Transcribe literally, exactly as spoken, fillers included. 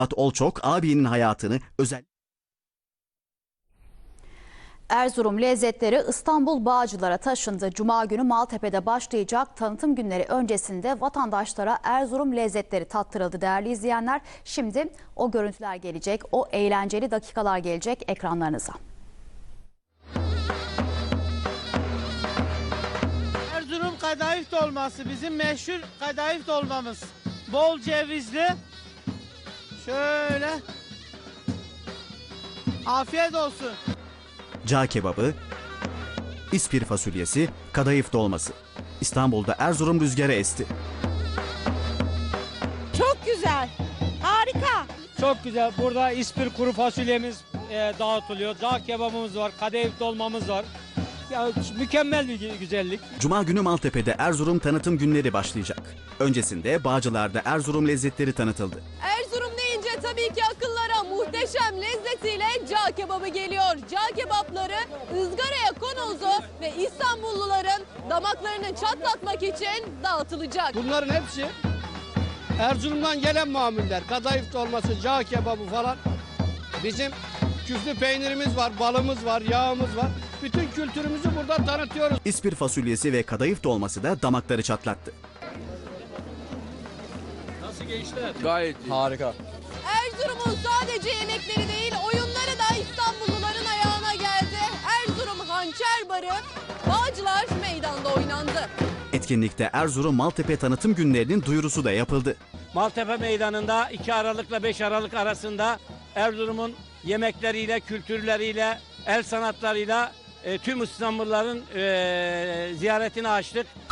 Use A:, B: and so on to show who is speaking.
A: Olçok abinin hayatını özel
B: Erzurum lezzetleri İstanbul Bağcılar'a taşındı. Cuma günü Maltepe'de başlayacak tanıtım günleri öncesinde vatandaşlara Erzurum lezzetleri tattırıldı değerli izleyenler. Şimdi o görüntüler gelecek, o eğlenceli dakikalar gelecek ekranlarınıza.
C: Erzurum kadayıf dolması bizim meşhur kadayıf dolmamız. Bol cevizli. Şöyle. Afiyet olsun.
A: cağ kebabı, ispir fasulyesi, kadayıf dolması. İstanbul'da Erzurum rüzgarı esti.
D: Çok güzel. Harika.
E: Çok güzel. Burada ispir kuru fasulyemiz e, dağıtılıyor. Cağ kebabımız var, kadayıf dolmamız var. Ya, mükemmel bir güzellik.
A: Cuma günü Maltepe'de Erzurum tanıtım günleri başlayacak. Öncesinde Bağcılar'da Erzurum lezzetleri tanıtıldı.
F: Erzurum deyince tabii ki akıllara muhteşem lezzetiyle cağ kebabı geliyor. Cağ kebapları ızgaraya konuldu ve İstanbulluların damaklarını çatlatmak için dağıtılacak.
G: Bunların hepsi Erzurum'dan gelen mamuller. Kadayıf dolması, cağ kebabı falan. Bizim küflü peynirimiz var, balımız var, yağımız var. Bütün kültürümüzü burada tanıtıyoruz.
A: İspir fasulyesi ve kadayıf dolması da damakları çatlattı.
H: Gayet iyi. Harika.
F: Erzurum'un sadece yemekleri değil, oyunları da İstanbulluların ayağına geldi. Erzurum Hançer Barı, Bağcılar Meydan'da oynandı.
A: Etkinlikte Erzurum Maltepe tanıtım günlerinin duyurusu da yapıldı.
E: Maltepe Meydanı'nda iki Aralık'la beş Aralık arasında Erzurum'un yemekleriyle, kültürleriyle, el sanatlarıyla e, tüm İstanbulluların e, ziyaretini açtık.